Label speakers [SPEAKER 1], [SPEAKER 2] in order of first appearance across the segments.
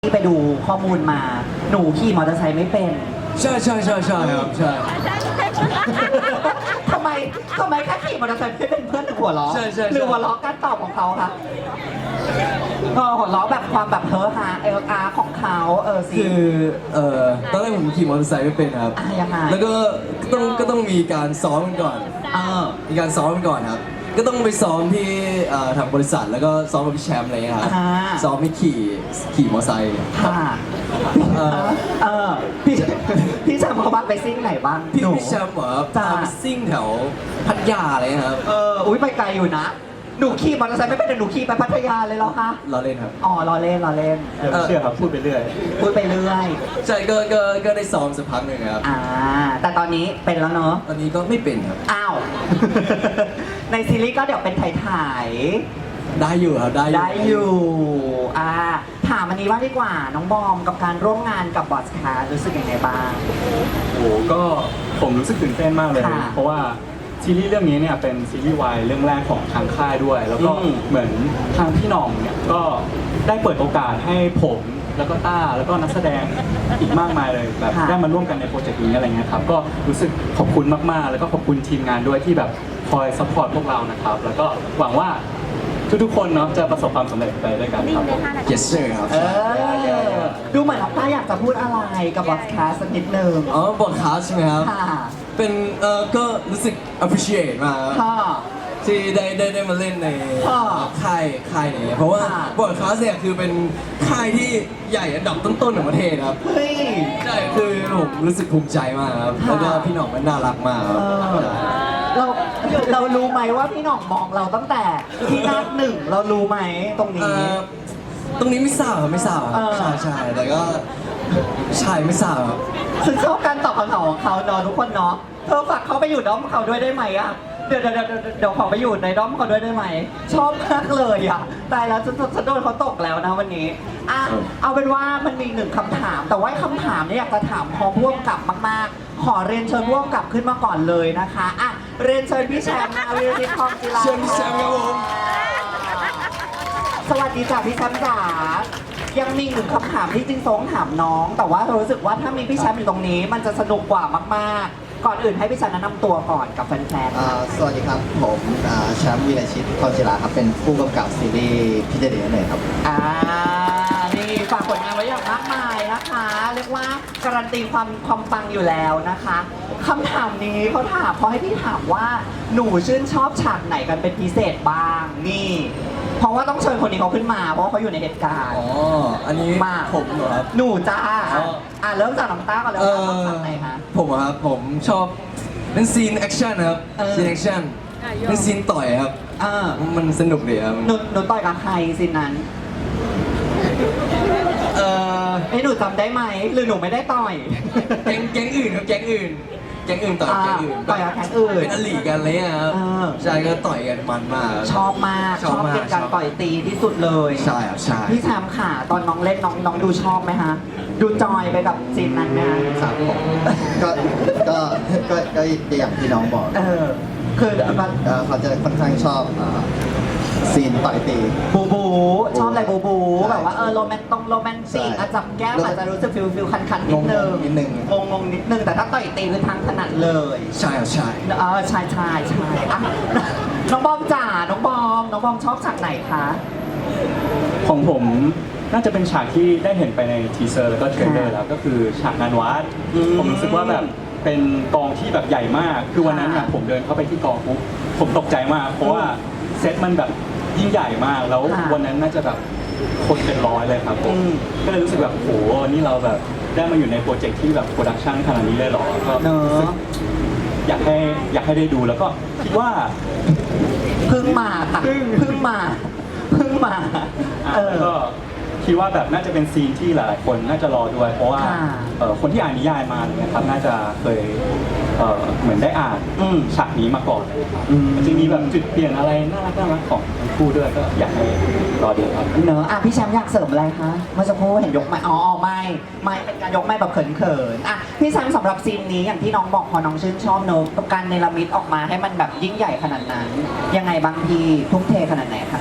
[SPEAKER 1] ที่ไปดูข้อมูลมา หนูขี่มอเตอร์ไซค์ไม่เป็น
[SPEAKER 2] ใช่ครับใช่
[SPEAKER 1] ทำไมแค่ขี่มอเตอร์ไซค์ไม่เป็นเพื่อนหัวเราะ
[SPEAKER 2] ใช่
[SPEAKER 1] หรือหัวเราะการตอบของเขาคะหัวเราะแบบความแบบเฮ้อฮาอาของเขาสิ
[SPEAKER 2] คือตอนแรกผมขี่มอเตอร์ไซค์ไม่เป็นครับ
[SPEAKER 1] ยังไง
[SPEAKER 2] แล้วก็ต้องมีการซ้อมกันก่อน มีการซ้อมกันก่อนครับ ก็ต้องไปซ้อมที่ทางบริษัทแล้วก็ซ้อมกับพี่แชมป์อะไรเงี้ยครับ ซ้อมให้ขี่มอเตอร์ไซค์
[SPEAKER 1] ค่ะพี่แชมป์เขาบ้างไปซิ่งไหนบ้าง
[SPEAKER 2] พี่
[SPEAKER 1] หนู
[SPEAKER 2] แชมป์เหรอ
[SPEAKER 1] จ้า
[SPEAKER 2] พาไปซิ่งแถวพัทยาอะไรเงี้ยครับ
[SPEAKER 1] อุ้ยไปไกลอยู่นะ หนูขี่มอเตอร์ไซค์ไม่เป็นแต่หนูขี่ไปพัทยาเลยเหรอคะ
[SPEAKER 2] เราเล่นครับ
[SPEAKER 1] อ๋อรอเล่น
[SPEAKER 3] เชื่อครับพูดไปเรื่อย
[SPEAKER 1] พูดไปเรื่อย
[SPEAKER 2] ใช่ก็ได้ซ้อมสักพักหนึ่งครับ
[SPEAKER 1] แต่ตอนนี้เป็นแล้วเนอะ
[SPEAKER 2] ตอนนี้ก็ไม่เป็นครับ
[SPEAKER 1] อ้าว ในซีรีส์ก็เดี๋ยวเป็นถ่าย
[SPEAKER 2] ได้อยู่ครับได้
[SPEAKER 1] ๆได้อยู่ถามอันนี้ว่างดีกว่าน้องบอมกับการร่วมงานกับบอสคารู้สึกยังไงบ้าง
[SPEAKER 3] โอ้ก็ผมรู้สึกตื่นเต้นมากเลย
[SPEAKER 1] ค่ะ
[SPEAKER 3] เพราะว่าซีรีส์เรื่องนี้เนี่ยเป็นซีรีส์วายเรื่องแรกของทางค่ายด้วย แล้วก็เหมือนทางพี่หน่องเนี่ยก็ได้เปิดโอกาสให้ผมแล้วก็ต้าแล้วก็นักแสดงอีกมากมายเลยแบบได้มาร่วมกันในโปรเจกต์นี้อะไรเงี้ยครับก็รู้สึกขอบคุณมากๆ แล้วก็ขอบคุณทีมงานด้วยที่แบบคอยซัพพอร์ตพวกเรานะครับแล้วก็หวังว่าทุกๆคนเนาะจะประสบความสำเร็จไปด้วยกันครับ
[SPEAKER 2] yes sir ครับ
[SPEAKER 1] ดูเหมือนน้องต้าอยากจะพูดอะไรกับบอสคาสักนิดนึง
[SPEAKER 2] บอดคาสใช่ไหมครับ
[SPEAKER 1] ค่ะ
[SPEAKER 2] เป็นก็รู้สึก appreciate มากครับ
[SPEAKER 1] ค่ะ
[SPEAKER 2] ที่ได้มาเล่นใน
[SPEAKER 1] ค่ะ
[SPEAKER 2] ค่ายนี้เพราะว่า
[SPEAKER 1] ค่ะ
[SPEAKER 2] บอดคาสเนี่ยคือเป็นค่ายที่ใหญ่อันดับต้นๆของประเทศครับ
[SPEAKER 1] เฮ้ย
[SPEAKER 2] ใช่คือผมรู้สึกภูมิใจมากครับ
[SPEAKER 1] ค่ะ
[SPEAKER 2] แล้วก็พี่หน่องมันน่ารักมากครับ
[SPEAKER 1] เรารู้ไหมว่าพี่หน่องมองเราตั้งแต่ที่นัดหนึ่งเรารู้ไหมตรงนี้
[SPEAKER 2] ตรงนี้ไม่ทราบครับไม่ทราบครับ ใช่แต่ก็ใช่ไม่ทราบครับ
[SPEAKER 1] ฉันชอบการตอบคำถามของเขาเนาะทุกคนเนาะเธอฝากเขาไปอยู่ด้อมเขาด้วยได้ไหมอะเดี๋ยวขอไปอยู่ในด้อมเขาด้วยได้ไหมชอบมากเลยอะตายแล้วฉันโดนเขาตกแล้วนะวันนี้เอาเป็นว่ามันมีหนึ่งคำถาม แต่ว่าคำถามเนี่ยอยากจะถามพอพ่วงกลับมากๆ ขอเรียนเชิญพ่วงกลับขึ้นมาก่อนเลยนะคะเรียนเชิญพี่แชมป์นาวิรติทองจิรา
[SPEAKER 2] เชิญพี่แชมป์ครับผม
[SPEAKER 1] สวัสดีจ้ะพี่แชมป์จ๋ายังมีหนึ่งคำถามที่จริงๆถามน้อง แต่ว่าเรารู้สึกว่าถ้ามีพี่แชมป์อยู่ตรงนี้ มันจะสนุกกว่ามากๆ ก่อนอื่นให้พี่แชมป์แนะนำตัวก่อนกับแฟนๆ
[SPEAKER 4] สวัสดีครับ ผมแชมป์วีรชิตทองจิราครับเป็นผู้กำกับซีรีส์พี่เจเดียนเลยครับ
[SPEAKER 1] นี่ฝากผลงานไว้อย่างมากมายนะคะ เรียกว่าการันตีความปังอยู่แล้วนะคะคำถามนี้เขาให้พี่ถามว่าหนูชื่นชอบฉากไหนกันเป็นพิเศษบ้างนี่ เพราะว่าต้องเชิญคนนี้เขาขึ้นมาเพราะว่าเขาอยู่ในเหตุการณ์
[SPEAKER 2] อันนี้
[SPEAKER 1] มา
[SPEAKER 2] ผมเหรอครับ
[SPEAKER 1] หนูจ้า
[SPEAKER 2] อ๋อ
[SPEAKER 1] เริ่มจากน้องต้าก่อนเลยว่าชอบฉากไหนคะ
[SPEAKER 2] ผมอะครับผมชอบเป็นซีนแอคชั่นครับซีนแอคชั่นเป็นซีนต่อยครับ มันสนุกดีครับ
[SPEAKER 1] หนูต่อยกับใครสินนั้นหนูจำได้ไหมหรือหนูไม่ได้ต่อย
[SPEAKER 2] แก๊งอื่นครับแก๊งอื่นต่อยแก๊งอื่น
[SPEAKER 1] ต่อยกับแก๊งอื่น
[SPEAKER 2] เป็นอลีกันเลยอะครับใช่ก็ต่อยกันมันมาก
[SPEAKER 1] ชอบมากชอบเป็นการต่อยตีที่สุดเลย
[SPEAKER 2] ใช่ครับใช่
[SPEAKER 1] พี่แชมป์ค่ะตอนน้องเล่นน้องดูชอบไหมฮะดูจอยไปกับซีนนั้นไหมฮะ
[SPEAKER 4] ครับผมก็อย่างที่น้องบอก
[SPEAKER 1] คือมัน
[SPEAKER 4] เขาจะค่อนข้างชอบซีนต่อยตี
[SPEAKER 1] บูชอบอะไรบูแบบว่าโรแมนติก
[SPEAKER 4] ใช่
[SPEAKER 1] จับแก้มอาจจะรู้สึกฟิลคันนิดนึง
[SPEAKER 4] งงนิดนึง
[SPEAKER 1] งงนิดนึงแต่ถ้าต่อยตีคือทางถนัดเลย
[SPEAKER 2] ใช่ครับใช่
[SPEAKER 1] ใช่อ่ะน้องบอมจ๋าน้องบอมชอบฉากไหนคะ
[SPEAKER 3] ของผมน่าจะเป็นฉากที่ได้เห็นไปในทีเซอร์แล้วก็เทรลเลอร์แล้วก็คือฉากงานวัดผมรู้สึกว่าแบบเป็นกองที่แบบใหญ่มาก คือวันนั้นเนี่ยผมเดินเข้าไปที่กองปุ๊บผมตกใจมาก เพราะว่าเซตมันแบบยิ่งใหญ่มากแล้ววันนั้นน่าจะแบบคนเป็นร้อยเลยครับผมก็เลยรู้สึกแบบโหนี่เราแบบได้มาอยู่ในโปรเจกต์ที่แบบโปรดักชันขนาดนี้เลยเหรอก็รู้สึกอยากให้ได้ดูแล้วก็คิดว่า
[SPEAKER 1] เพิ่งมาค่ะเพิ่งมา
[SPEAKER 3] แล้วก็คิดว่าแบบน่าจะเป็นซีนที่หลายๆคนน่าจะรอด้วย เพราะว่าคนที่อ่านนิยายมาเนี่ยครับน่าจะเคยเหมือนได้อ่านฉากนี้มาก่อนเลยครับมันจะมีแบบจุดเปลี่ยนอะไรน่ารักของทั้งคู่ด้วยก็อยากให้รอดูครับ
[SPEAKER 1] เนอะพี่แชมป์อยากเสริมอะไรคะเมื่อสักครู่เห็นยกไม้ไม่เป็นการยกไม้แบบเขินๆพี่แชมป์สำหรับซีนนี้อย่างที่น้องบอกพอน้องชื่นชอบเนอะการเนรมิตออกมาให้มันแบบยิ่งใหญ่ขนาดนั้นยังไงบางทีทุ่มเทขนาดไหนคะ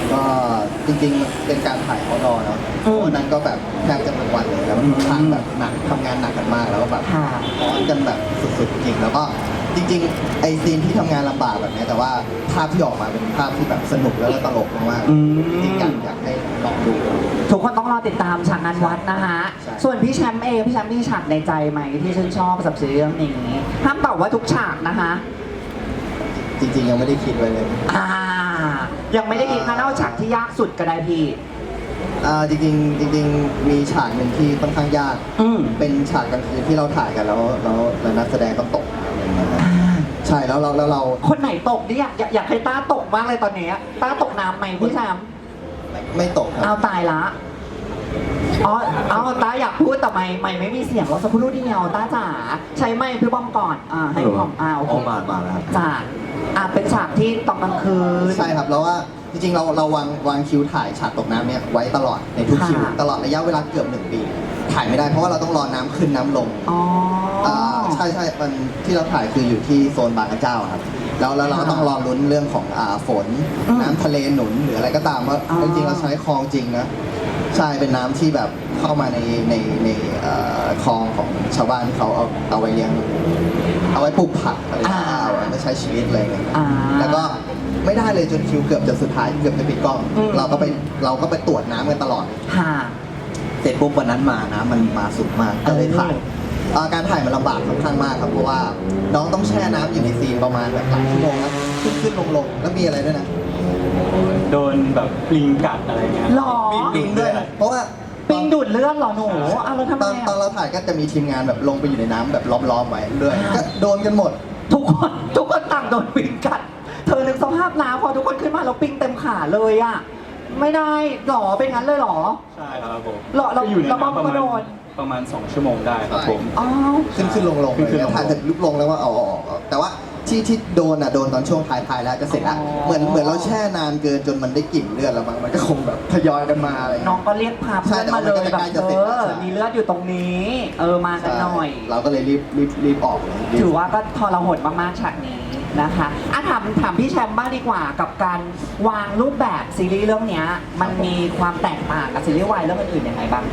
[SPEAKER 4] ก็จริงๆเป็นการถ่ายเขารอเนาะวันนั้นก็แบบแทบจะทั้งวันเลยแล้วมันค่อนข้างแบบหนักทำงานหนักกันมากแล้วก็แบบ
[SPEAKER 1] ค่ะ
[SPEAKER 4] ร้อนกันแบบสุดๆจริงแล้วก็จริงๆไอซีนที่ทำงานลำบากแบบเนี้ยแต่ว่าภาพที่ออกมาเป็นภาพที่แบบสนุกแล้วก็ตลกมาก
[SPEAKER 1] อืม
[SPEAKER 4] ๆจริงๆอยากให้ลองดู
[SPEAKER 1] ทุกคนต้องรอติดตามฉากงานวัดนะคะ
[SPEAKER 4] ใช่
[SPEAKER 1] ส่วนพี่แชมป์เองพี่แชมป์มีฉากในใจไหมที่ชื่นชอบสำหรับซีรีส์เรื่องนี้ห้ามตอบว่าทุกฉากนะคะ
[SPEAKER 4] จริงๆยังไม่ได้คิดไว้เลย
[SPEAKER 1] ยังไม่ได้คิดนะเอาฉากที่ยากสุดก็ได้พี่
[SPEAKER 4] จริงๆจริงๆมีฉากหนึ่งที่ค่อนข้างยาก
[SPEAKER 1] อืม
[SPEAKER 4] เป็นฉากกลางคืนที่เราถ่ายกันแล้วนักแสดงต้องตกอะไรอย่างเงี้ยใช่แล้วเรา
[SPEAKER 1] คนไหนตกนี่อยากให้ต้าตกมากเลยตอนนี้ต้าตกน้ำไหมพี่แชมป์
[SPEAKER 4] ไม่ตกค
[SPEAKER 1] เอา
[SPEAKER 4] รับ
[SPEAKER 1] ตายละเอาต้าอยากพูดแต่ไม่มีเสียงเราสักครู่เดียวต้าจ๋าใช้ไมค์พี่บอมก่อนให้พี่บอมโอเค
[SPEAKER 2] มาแล้วครับ
[SPEAKER 1] จ้าเป็นฉากที่ตอนกลางคืน
[SPEAKER 4] ใช่ครับแล้วว่าจริงๆเราวางคิวถ่ายฉากตกน้ำเนี่ยไว้ตลอดในทุกคิว
[SPEAKER 1] ค่ะ
[SPEAKER 4] ตลอดระยะเวลาเกือบ1 ปี ถ่ายไม่ได้เพราะว่าเราต้องรอน้ำขึ้นน้ำลง
[SPEAKER 1] อ๋อ
[SPEAKER 4] ใช่มันที่เราถ่ายคืออยู่ที่โซนบางกระเจ้าครับแล้วเราก็ต้องรอลุ้นเรื่องของฝน
[SPEAKER 1] อืม
[SPEAKER 4] น้ำทะเลหนุนหรืออะไรก็ตามว่า
[SPEAKER 1] อ๋อ
[SPEAKER 4] จริงๆเราใช้คลองจริงนะใช่เป็นน้ำที่แบบเข้ามาในคลองของชาวบ้านที่เขาเอาไว้เลี้ยงเอาไว้ปลูกผักอะไรอย่างเงี้ยเอาไว้ใช้ชีวิตอะไรอย่างเงี้ย แล้วก็ไม่ได้เลยจนคิวเกือบจะสุดท้ายเกือบจะปิดกล้อง
[SPEAKER 1] อืม
[SPEAKER 4] เราก็ไปตรวจน้ำกันตลอด
[SPEAKER 1] ค่ะ
[SPEAKER 4] เสร็จปุ๊บวันนั้นมาน้ำมันมาสุดมากก็เลยถ่ายการถ่ายมันลำบากค่อนข้างมากครับเพราะว่าน้องต้องแช่น้ำอยู่ในซีนประมาณแบบหลายชั่วโมงนะขึ้นลงแล้วมีอะไรด้วยนะ
[SPEAKER 3] โดนแบบปลิงกัดอะไรเงี้ย
[SPEAKER 1] หรอ
[SPEAKER 4] ปิงด้วยเพราะว่า
[SPEAKER 1] ปิงดูดเลือดเหรอหนูเราทำไม
[SPEAKER 4] ตอนเราถ่ายก็จะมีทีมงานแบบลงไปอยู่ในน้ำแบบล้อมๆไว้ด้วยก็โดนกันหมด
[SPEAKER 1] ทุกคนต่างโดนปิงกัด เธอนึกสภาพน้ำพอทุกคนขึ้นมาแล้วปิงเต็มขาเลยอ่ะ ไม่ได้หรอเป็นงั้นเลยหรอ
[SPEAKER 3] ใช่ครับผม
[SPEAKER 1] เรา
[SPEAKER 3] ก็อยู่ใน
[SPEAKER 1] เรา
[SPEAKER 3] น้ำประ
[SPEAKER 1] ก็
[SPEAKER 3] มาณ
[SPEAKER 1] โดน
[SPEAKER 3] ประมาณ 2 ชั่วโมงได้ครับผม
[SPEAKER 1] อ๋อ
[SPEAKER 4] ขึ้นลง
[SPEAKER 3] ขึ้น
[SPEAKER 4] เลย
[SPEAKER 3] ลง
[SPEAKER 4] ถ่ายเสร็จลุกลงแล้วว่าเอาออกแต่ว่าที่โดนโดนตอนช่วงท้ายๆแล้วจะเสร็จแล้วเหมือนเราแช่นานเกินจนมันได้กลิ่นเลือดแล้วมันก็คงแบบทยอยกันมาอะไรอย่าง
[SPEAKER 1] น้อ
[SPEAKER 4] เงี้
[SPEAKER 1] ง
[SPEAKER 4] ย
[SPEAKER 1] ก็เรียกพาเพื่อนมาเลยแบบ
[SPEAKER 4] ใช่แต่ว่ามันก็ใกล้จะเสร็จแล้วใช่
[SPEAKER 1] มีเลือดอยู่ตรงนี้ มากันหน่อย
[SPEAKER 4] เราก็เลยรีบออกเลย
[SPEAKER 1] ถือว่าก็ทรหดมากๆฉากนี้นะคะถามพี่แชมป์บ้างดีกว่ากับการวางรูปแบบซีรีส์เรื่องเนี้ยมันมีความแตกต่างกับซีรีส์วายเรื่องอื่นๆยังไงบางที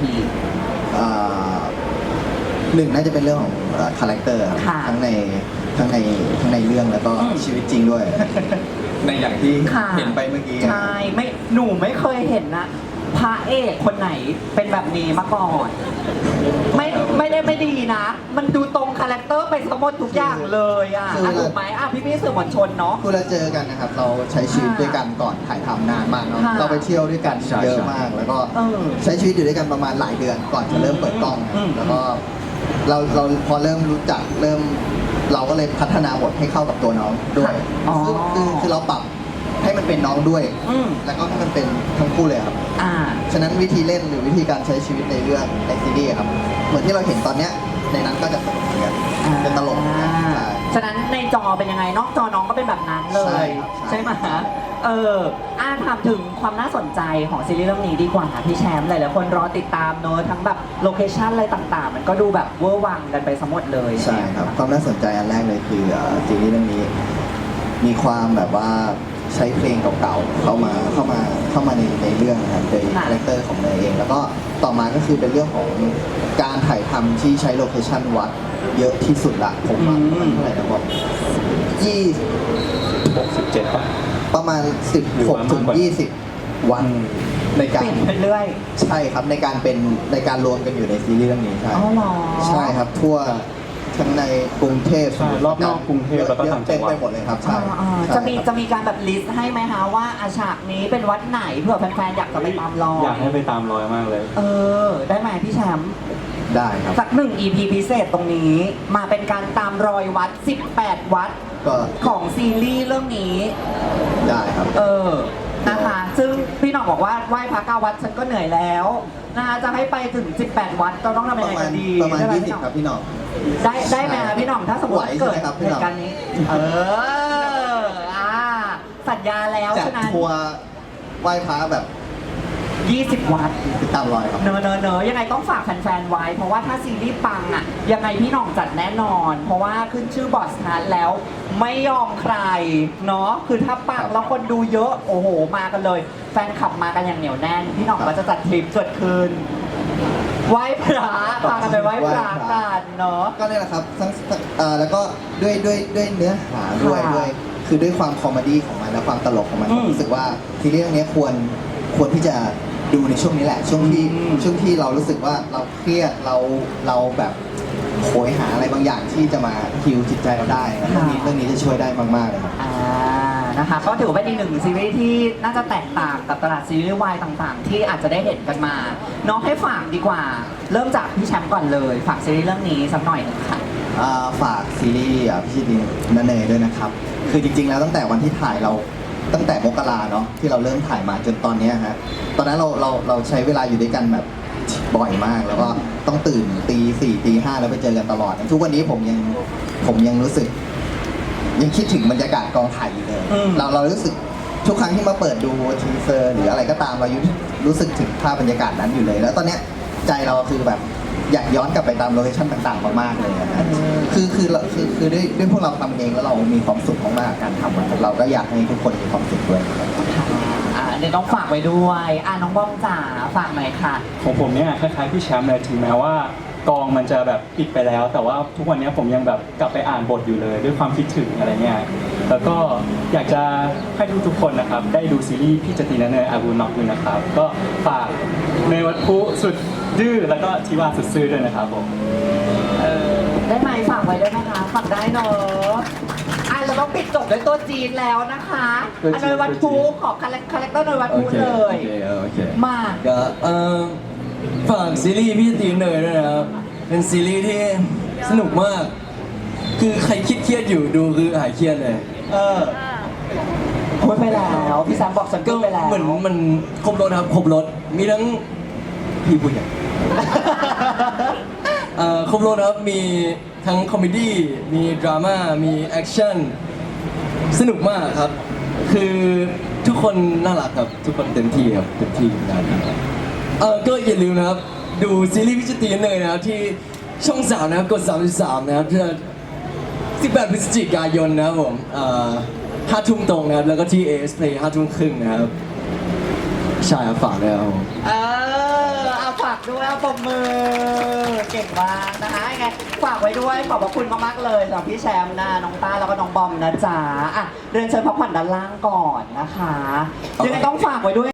[SPEAKER 4] หนึ่งน่าจะเป็นเรื่องของคาแรคเตอร์ครับ
[SPEAKER 1] ค่ะ
[SPEAKER 4] ทั้งในเรื่องแล้วก็
[SPEAKER 1] อืม
[SPEAKER 4] ชีวิตจริงด้วย ในอย่างที่
[SPEAKER 1] ค่ะ
[SPEAKER 4] เห็นไปเมื่อกี้
[SPEAKER 1] ใช่หนูไม่เคยเห็นนะพระเอกคนไหนเป็นแบบนี้มาก่อน ไม่ได้ไม่ดีนะ มันดูตรงคาแรคเตอร์ไปสมมติทุกอย่างเลยถูกไหมพี่สื่อมวลชนเนาะ
[SPEAKER 4] คือเราเจอกันนะครับ เราใช้ชีวิตด้วยกันก่อนถ่ายทำนานมากเนาะ
[SPEAKER 1] ค่ะ
[SPEAKER 4] เราไปเที่ยวด้วยกัน
[SPEAKER 2] ใช่
[SPEAKER 4] เยอะมาก แล้วก็
[SPEAKER 1] เออ
[SPEAKER 4] ใช้ชีวิตอยู่ด้วยกันประมาณหลายเดือนก่อนจะเริ่มเปิดกล้อง
[SPEAKER 1] อืม
[SPEAKER 4] แล้วก็เราพอเริ่มรู้จักเราก็เลยพัฒนาบทให้เข้ากับตัวน้องด้วย
[SPEAKER 1] อ๋อ
[SPEAKER 4] คือเราปรับให้มันเป็นน้องด้วย
[SPEAKER 1] อืม
[SPEAKER 4] แล้วก็ให้มันเป็นทั้งคู่เลยครับ ฉะนั้นวิธีเล่นหรือวิธีการใช้ชีวิตในเรื่องในซีรีส์ครับ เหมือนที่เราเห็นตอนเนี้ยในนั้นก็จะสนุกเหมือนกันเป็นตลกเหมือนกันใช่
[SPEAKER 1] ฉะนั้นในจอเป็นยังไงนอกจอน้องก็เป็นแบบนั้นเล
[SPEAKER 4] ใช่
[SPEAKER 1] ย
[SPEAKER 4] ครับ
[SPEAKER 1] ใช่ไหมถามถึงความน่าสนใจของซีรีส์เรื่องนี้ดีกว่าพี่แชมป์หลายๆคนรอติดตามเนอะทั้งแบบโลเคชั่นอะไรต่างๆ มันก็ดูแบบเวอร์วังกันไปสมหมดเลย
[SPEAKER 4] ใช่ครับความน่าสนใจอันแรกเลยคือซีรีส์เรื่องนี้มีความแบบว่าใช้เพลงเก่าๆเข้ามาในเรื่องนะครับโดยคาแรคเตอร์ของเนยเอง แล้วก็ต่อมาก็คือเป็นเรื่องของการถ่ายทำที่ใช้โลเคชั่นวัดเยอะที่สุดละผมว่ามันเท่าไหร่นะบอก
[SPEAKER 3] 67 ป่ะ
[SPEAKER 4] ประมาณ
[SPEAKER 3] หรือว่า
[SPEAKER 4] 16 ถึ
[SPEAKER 3] มาก
[SPEAKER 4] ง
[SPEAKER 3] กว่า
[SPEAKER 4] 20 วันในการ
[SPEAKER 1] เปลี่ยนไปเรื่อย
[SPEAKER 4] ใช่ครับในการรวมกันอยู่ในซีรีส์เรื่องนี้ใช่
[SPEAKER 1] อ๋อเหรอ
[SPEAKER 4] ใช่ครับทั่วทั้งในกรุงเทพ
[SPEAKER 3] ใช่รอบนอกกรุงเทพแล้วก็ต่างจั
[SPEAKER 4] เต็
[SPEAKER 3] ง
[SPEAKER 4] ม
[SPEAKER 3] หวัด
[SPEAKER 4] ไปหมดเลยครับใช่
[SPEAKER 1] จะ
[SPEAKER 4] ใช่
[SPEAKER 1] จะมีการแบบลิสต์ให้ไหมคะว่าฉากนี้เป็นวัดไหนเผื่อแฟนๆอยากจะไปตามรอย
[SPEAKER 3] อยากให้ไปตามรอยมากเลย
[SPEAKER 1] ได้ไหมพี่แชมป์
[SPEAKER 4] ได้ครับ
[SPEAKER 1] สักหนึ่ง EP พิเศษตรงนี้ มาเป็นการตามรอยวัด 18 วัด
[SPEAKER 4] ก็
[SPEAKER 1] ของซีรีส์เรื่องนี้
[SPEAKER 4] ได้ครับ
[SPEAKER 1] นะคะ ซึ่งพี่หน่องบอกว่าไหว้พระ9วัดฉันก็เหนื่อยแล้วนะคะจะให้ไปถึง 18 วัดเราต้องทำยังไงกันดี
[SPEAKER 4] ประมาณ
[SPEAKER 1] ได้ไห
[SPEAKER 4] 20 ครับพี่หน้อง
[SPEAKER 1] ได้ไหมคะพี่หน่องถ้าสมมติ
[SPEAKER 4] ไหวใช่
[SPEAKER 1] เกิด
[SPEAKER 4] ไหมครับพี่
[SPEAKER 1] เห
[SPEAKER 4] หน่อง
[SPEAKER 1] ตุการณ์นี้ สัญญาแล้ว
[SPEAKER 4] จัด
[SPEAKER 1] ฉะนั้น
[SPEAKER 4] ทัวร์ไหว้พระแบบ
[SPEAKER 1] 20 วัตต์
[SPEAKER 4] ติดตามรอยครับ
[SPEAKER 1] เนอะยังไงต้องฝากแฟนๆไว้ เพราะว่าถ้าซีรีส์ปังอ่ะยังไงพี่หน่องจัดแน่นอน เพราะว่าขึ้นชื่อบอสทันแล้วไม่ยอมใครเนาะคือถ้าปังแล้วคนดูเยอะโอ้โหมากันเลย แฟนคลับมากันอย่างเหนียวแน่น พี่หน่องก็จะจัดทริปเกิดขึ้นไหว้พระพากันไปไหว้พระกันเนาะ
[SPEAKER 4] ก็นี่แหละครับทั้งแล้วก็ด้วยเนื้อหาด้วย
[SPEAKER 1] ค่ะ
[SPEAKER 4] ด้วยคือด้วยความคอมเมดี้ของมันและความตลกของมัน
[SPEAKER 1] อืม
[SPEAKER 4] ผมรู้สึกว่าซีรีส์เรื่องนี้ควรที่จะดูในช่วงนี้แหละ ช่วงที่เรารู้สึกว่าเราเครียดเราแบบโหยหาอะไรบางอย่างที่จะมาฮิวจิตใจเราได้นะเรื่องนี้จะช่วยได้มากๆเลยครับ
[SPEAKER 1] นะคะก็ถือว่าเป็นอีกหนึ่งซีรีส์ที่น่าจะแตกต่างกับตลาดซีรีส์วายต่างๆ ที่อาจจะได้เห็นกันมา น้องให้ฝากดีกว่า เริ่มจากพี่แชมป์ก่อนเลย ฝากซีรีส์เรื่องนี้สักหน่อยหนึงค่ะ
[SPEAKER 4] ฝากซีรีส์พี่ชิดินนันเนยด้วยนะครับ คือจริงๆแล้วตั้งแต่วันที่ถ่ายเราตั้งแต่มกราเนาะที่เราเริ่มถ่ายมาจนตอนเนี้ยฮะตอนนั้นเราใช้เวลาอยู่ด้วยกันแบบบ่อยมาก แล้วก็ต้องตื่นตี 4 ตี 5แล้วไปเจอกันตลอด ทุกวันนี้ผมยังรู้สึก ยังคิดถึงบรรยากาศกองถ่ายอยู่เลย
[SPEAKER 1] อืม
[SPEAKER 4] เรารู้สึกทุกครั้งที่มาเปิดดูทีเซอร์หรืออะไรก็ตามเรารู้สึกถึงภาพบรรยากาศนั้นอยู่เลย แล้วตอนเนี้ยใจเราคือแบบอยากย้อนกลับไปตามโลเคชั่นต่างๆมากๆเลยนะคือด้วยพวกเราทำเองแล้วเรามีความสุขมากๆกับการทำมันเราก็อยากให้ทุกคนมีความสุขด้วยครับ
[SPEAKER 1] เดี๋ยวต้องฝากไว้ด้วยน้องบ้องจ๋าฝากหน่อยค่ะ
[SPEAKER 3] ของผมเนี่ยคล้ายๆพี่แชมป์เลยถึงแม้ว่ากองมันจะแบบปิดไปแล้ว แต่ว่าทุกวันนี้ผมยังแบบกลับไปอ่านบทอยู่เลย ด้วยความคิดถึงอะไรเงี้ยแล้วก็อยากจะให้ทุกๆคนนะครับได้ดูซีรีส์พี่จตีนันเนยอาบูนอกด้วยนะครับก็ฝากในวัดพุสุดดื้อแล้วก็ทิวาสุดซื่อด้วยนะครับผม
[SPEAKER 1] ได้ไหมฝากไว้ด้วยนะคะฝากได้เนอะเราต้องปิดจบด้วยตัวจีนแล้วนะคะ
[SPEAKER 2] ตัวจีน
[SPEAKER 1] เนยวัดพูขอคาแรคเตอร์เนยวัดพูเลย
[SPEAKER 2] โอเค
[SPEAKER 1] มา
[SPEAKER 2] ก็ฝากซีรีส์พี่ตีเนยด้วยนะครับ เป็นซีรีส์ที่สนุกมาก คือใครเครียดๆอยู่ดูคือหายเครียดเลย
[SPEAKER 1] พูดไปแล้วพี่แซมบอกฉัน
[SPEAKER 2] ก็
[SPEAKER 1] พูดไปแล้ว
[SPEAKER 2] เหมือนมันครบรถครับครบรถมีทั้งพี่ผู้ใหญ่ ครบรถครับมีทั้งคอมเมดี้มีดราม่ามีแอคชั่นสนุกมากครับ คือทุกคนน่ารักครับ ทุกคนเต็มที่ครับเต็มที่งานนี้ก็อย่าลืมนะครับ ดูซีรีส์พิจิตรีเลยนะครับที่ช่อง 3 นะครับกด 33 นะครับ18 พฤศจิกายนนะครับผม5 ทุ่มตรงนะครับ แล้วก็ที่ AS Play 5 ทุ่มครึ่งนะครับใช่ครับฝากด้วยครับผม
[SPEAKER 1] เอาฝากด้วยเอาปมมือเก่งมากนะคะยังไงฝากไว้ด้วยขอบพระคุณมากๆเลยสำหรับพี่แชมป์นะน้องต้าแล้วก็น้องบอมนะจ๊ะเรียนเชิญพักผ่อนด้านล่างก่อนนะคะยังไงต้องฝากไว้ด้วย